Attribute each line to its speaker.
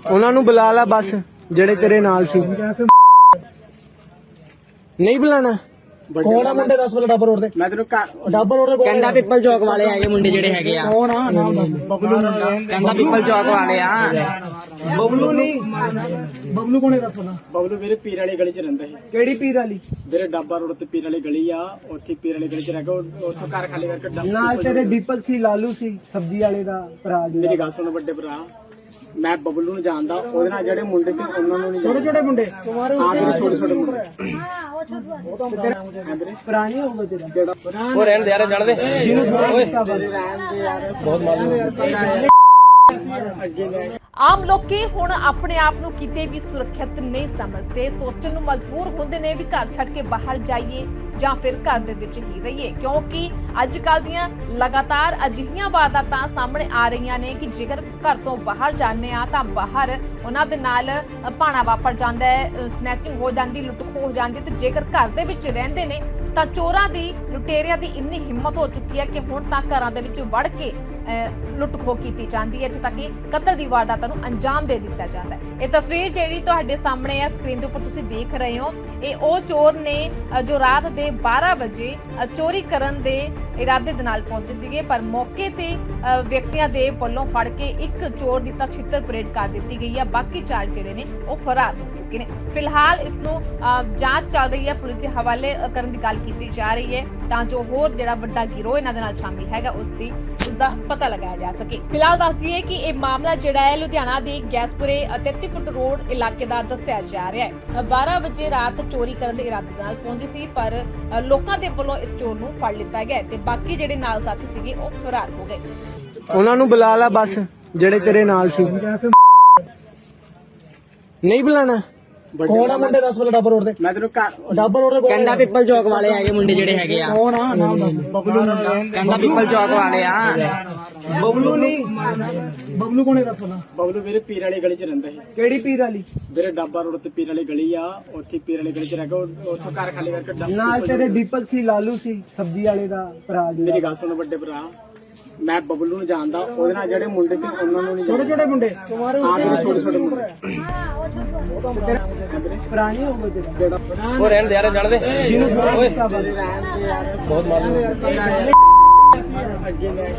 Speaker 1: ਉਹਨਾਂ ਨੂੰ ਬੁਲਾ ਲਾ ਬਸ ਜਿਹੜੇ ਤੇਰੇ ਨਾਲ ਸੀ। ਨਹੀਂ ਬੁਲਾਣਾ।
Speaker 2: ਕੌਣ ਆ ਮੁੰਡੇ 10 ਵਾਲੇ ਡੱਬਰ ਰੋਡ ਦੇ?
Speaker 3: ਮੈਂ ਤੈਨੂੰ
Speaker 2: ਡੱਬਰ ਰੋਡ ਦੇ
Speaker 4: ਕਹਿੰਦਾ ਪਿੱਪਲ ਚੌਕ ਵਾਲੇ ਹੈਗੇ ਮੁੰਡੇ ਜਿਹੜੇ ਹੈਗੇ ਆ।
Speaker 2: ਕੌਣ ਆ? ਨਾਮ ਦੱਸ। ਬਬਲੂ
Speaker 4: ਕਹਿੰਦਾ ਪਿੱਪਲ ਚੌਕ ਵਾਲੇ ਆ।
Speaker 1: ਬਬਲੂ ਨਹੀਂ,
Speaker 2: ਬਬਲੂ ਕੋਣੇ 10 ਵਾਲਾ?
Speaker 3: ਬਬਲੂ ਵੀਰੇ ਪੀਰ ਵਾਲੀ ਗਲੀ 'ਚ ਰਹਿੰਦਾ ਸੀ
Speaker 1: ਕਿਹੜੀ ਪੀਰ ਵਾਲੀ?
Speaker 3: ਵੀਰੇ ਡੱਬਾ ਰੋਡ ਤੇ ਪੀਰ ਵਾਲੀ ਗਲੀ ਆ, ਉੱਥੇ ਪੀਰ ਵਾਲੀ ਗਲੀ 'ਚ ਰਹਿ ਕੇ ਉੱਥੋਂ ਘਰ ਖਾਲੀ ਕਰਕੇ
Speaker 1: ਨਾਲ ਤੇਰੇ ਦੀਪਕ ਸੀ, ਲਾਲੂ ਸੀ, ਸਬਜ਼ੀ ਵਾਲੇ ਦਾ ਭਰਾ ਜੀ।
Speaker 3: ਮੇਰੀ ਗੱਲ ਸੁਣ ਵੱਡੇ ਭਰਾ, ਮੈਂ ਬਬਲੂ ਨੂੰ ਜਾਣਦਾ, ਉਹਦੇ ਨਾਲ ਜਿਹੜੇ ਮੁੰਡੇ ਸੀ ਉਹਨਾਂ ਨੂੰ ਨਹੀਂ
Speaker 2: ਛੋਟੇ ਛੋਟੇ ਮੁੰਡੇ
Speaker 3: ਹਾਂ ਵੀਰੇ ਛੋਟੇ ਛੋਟੇ ਮੁੰਡੇ
Speaker 1: ਭਰਾ ਨਹੀਂ ਹੋਊਗਾ ਤੇਰਾ?
Speaker 3: ਜਿਹੜਾ
Speaker 4: ਉਹ ਰਹਿਣ ਦੇ ਯਾਰ, ਜੜ ਦੇ।
Speaker 1: ਜਿਹਨੂੰ ਥੋੜਾ ਕੀਤਾ ਬਸ।
Speaker 3: ਬਹੁਤ ਮਾਲੂਮ
Speaker 5: ਆਮ ਲੋਕੀ ਹੁਣ ਆਪਣੇ ਆਪ ਨੂੰ ਕਿਤੇ ਵੀ ਸੁਰੱਖਿਅਤ ਨਹੀਂ ਸਮਝਦੇ, ਸੋਚਣ ਨੂੰ ਮਜਬੂਰ ਹੁੰਦੇ ਨੇ ਵੀ ਘਰ ਛੱਡ ਕੇ ਬਾਹਰ ਜਾਈਏ ਜਾਂ ਫਿਰ ਘਰ ਦੇ ਵਿੱਚ ਹੀ ਰਹੀਏ, ਕਿਉਂਕਿ ਅੱਜ ਕੱਲ ਦੀਆਂ ਲਗਾਤਾਰ ਅਜਿਹੀਆਂ ਵਾਰਦਾਤਾਂ ਸਾਹਮਣੇ ਆ ਰਹੀਆਂ ਨੇ ਕਿ ਜੇਕਰ ਘਰ ਤੋਂ ਬਾਹਰ ਜਾਂਦੇ ਆ ਤਾਂ ਬਾਹਰ ਉਹਨਾਂ ਦੇ ਨਾਲ ਭਾਣਾ ਵਾਪਰ ਜਾਂਦਾ ਹੈ, ਸਨੈਚਿੰਗ ਹੋ ਜਾਂਦੀ, ਲੁੱਟ ਖੋਹ ਹੋ ਜਾਂਦੀ, ਤੇ ਜੇਕਰ ਘਰ ਦੇ ਵਿੱਚ ਰਹਿੰਦੇ ਨੇ ਤਾਂ ਚੋਰਾਂ ਦੀ, ਲੁਟੇਰਿਆਂ ਦੀ ਇੰਨੀ ਹਿੰਮਤ ਹੋ ਚੁੱਕੀ ਹੈ ਕਿ ਹੁਣ ਤਾਂ ਘਰਾਂ ਦੇ ਵਿੱਚ ਵੜ ਕੇ ਲੁੱਟ ਖੋਹ ਕੀਤੀ ਜਾਂਦੀ ਹੈ, ਇੱਥੇ ਤੱਕ ਕਿ ਕਤਲ ਦੀ ਵਾਰਦਾਤਾਂ ਨੂੰ ਅੰਜਾਮ ਦੇ ਦਿੱਤਾ ਜਾਂਦਾ ਹੈ। ਇਹ ਤਸਵੀਰ ਜਿਹੜੀ ਤੁਹਾਡੇ ਸਾਹਮਣੇ ਹੈ ਸਕਰੀਨ ਦੇ ਉੱਪਰ ਤੁਸੀਂ ਦੇਖ ਰਹੇ ਹੋ, ਇਹ ਉਹ ਚੋਰ ਨੇ ਜੋ ਰਾਤ ਦੇ 12 ਵਜੇ ਚੋਰੀ ਕਰਨ ਦੇ ਇਰਾਦੇ ਦੇ ਨਾਲ ਪਹੁੰਚੇ ਸੀਗੇ, ਪਰ ਮੌਕੇ ਤੇ ਵਿਅਕਤੀਆਂ ਦੇ ਵੱਲੋਂ ਫੜ ਕੇ ਇੱਕ ਚੋਰ ਦੀ ਤਾਂ ਛਿੱਤਰ ਪਰੇਡ ਕਰ ਦਿੱਤੀ ਗਈ ਹੈ, ਬਾਕੀ 4 ਜਿਹੜੇ ਨੇ ਉਹ ਫਰਾਰ ਹੋ ਚੁੱਕੇ ਨੇ। ਫਿਲਹਾਲ ਇਸ ਨੂੰ ਜਾਂਚ ਚੱਲ ਰਹੀ ਹੈ, ਪੁਲਿਸ ਦੇ ਹਵਾਲੇ ਕਰਨ ਦੀ ਗੱਲ ਕੀਤੀ ਜਾ ਰਹੀ ਹੈ ਤਾਂ ਜੋ ਹੋਰ ਜਿਹੜਾ ਵੱਡਾ ਗਿਰੋਹ ਇਹਨਾਂ ਦੇ ਨਾਲ ਸ਼ਾਮਿਲ ਹੈਗਾ ਉਸ ਦਾ ਪਤਾ ਲਗਾਇਆ ਜਾ ਸਕੇ। ਫਿਲਹਾਲ ਦੱਸ ਦਈਏ ਕਿ ਇਹ ਮਾਮਲਾ ਜਿਹੜਾ ਹੈ ਲੁਧਿਆਣਾ ਦੇ ਗੈਸਪੁਰੇ 33 ਫੁੱਟ ਰੋਡ ਇਲਾਕੇ ਦਾ ਦੱਸਿਆ ਜਾ ਰਿਹਾ ਹੈ। 12 ਵਜੇ ਰਾਤ ਚੋਰੀ ਕਰਨ ਦੇ ਇਰਾਦੇ ਨਾਲ ਪਹੁੰਚੀ ਸੀ, ਪਰ ਲੋਕਾਂ ਦੇ ਵੱਲੋਂ ਇਸ ਚੋਰ ਨੂੰ ਫੜ ਲਿੱਤਾ ਗਿਆ ਤੇ ਬਾਕੀ ਜਿਹੜੇ ਨਾਲ ਸਾਥੀ ਸੀਗੇ ਉਹ ਫਰਾਰ ਹੋ ਗਏ।
Speaker 1: ਉਹਨਾਂ ਨੂੰ ਬੁਲਾ ਲਾ ਬਸ ਜਿਹੜੇ ਤੇਰੇ ਨਾਲ ਸੀ। ਨਹੀਂ ਬੁਲਾਣਾ।
Speaker 2: ਕੌਣ ਆ ਮੁੰਡੇ 10 ਵਾਲੇ ਡੱਬਰ ਰੋਡ ਦੇ?
Speaker 3: ਮੈਂ ਤੈਨੂੰ
Speaker 2: ਡੱਬਰ ਰੋਡ ਦੇ
Speaker 4: ਕਹਿੰਦਾ ਪਿੱਪਲ ਚੌਕ ਵਾਲੇ ਹੈਗੇ ਮੁੰਡੇ ਜਿਹੜੇ ਹੈਗੇ ਆ।
Speaker 2: ਕੌਣ ਆ? ਨਾਮ ਦੱਸ। ਬਬਲੂ
Speaker 4: ਕਹਿੰਦਾ ਪਿੱਪਲ ਚੌਕ ਵਾਲੇ ਆ।
Speaker 1: ਬਬਲੂ ਨਹੀਂ,
Speaker 2: ਬਬਲੂ ਕੋਣੇ 10 ਵਾਲਾ?
Speaker 3: ਬਬਲੂ ਵੀਰੇ ਪੀਰ ਵਾਲੀ ਗਲੀ 'ਚ ਰਹਿੰਦਾ ਸੀ
Speaker 1: ਕਿਹੜੀ ਪੀਰ ਵਾਲੀ?
Speaker 3: ਵੀਰੇ ਡੱਬਾ ਰੋਡ ਤੇ ਪੀਰ ਵਾਲੀ ਗਲੀ ਆ, ਉੱਥੇ ਪੀਰ ਵਾਲੀ ਗਲੀ 'ਚ ਰਹਿ ਕੇ ਉੱਥੋਂ ਘਰ ਖਾਲੀ ਕਰਕੇ
Speaker 1: ਨਾਲ ਤੇਰੇ ਦੀਪਕ ਸੀ, ਲਾਲੂ ਸੀ, ਸਬਜ਼ੀ ਵਾਲੇ ਦਾ ਭਰਾ ਜੀ।
Speaker 3: ਮੇਰੀ ਗੱਲ ਸੁਣ ਵੱਡੇ ਭਰਾ, ਮੈਂ ਬਬਲੂ ਨੂੰ ਜਾਣਦਾ, ਉਹਦੇ ਨਾਲ ਜਿਹੜੇ ਮੁੰਡੇ ਸੀ ਉਹਨਾਂ ਨੂੰ ਨਹੀਂ
Speaker 2: ਛੋਟੇ ਛੋਟੇ ਮੁੰਡੇ
Speaker 3: ਹਾਂ ਵੀਰੇ ਛੋਟੇ ਛੋਟੇ ਮੁੰਡੇ
Speaker 1: ਭਰਾ ਨਹੀਂ ਹੋਊਗਾ ਤੇਰਾ?
Speaker 3: ਜਿਹੜਾ
Speaker 4: ਉਹ ਰਹਿਣ ਦੇ ਯਾਰ, ਜੜ ਦੇ।
Speaker 1: ਜਿਹਨੂੰ ਥੋੜਾ ਕੀਤਾ ਬਸ।
Speaker 4: ਬਹੁਤ ਮਾਲੂਮ।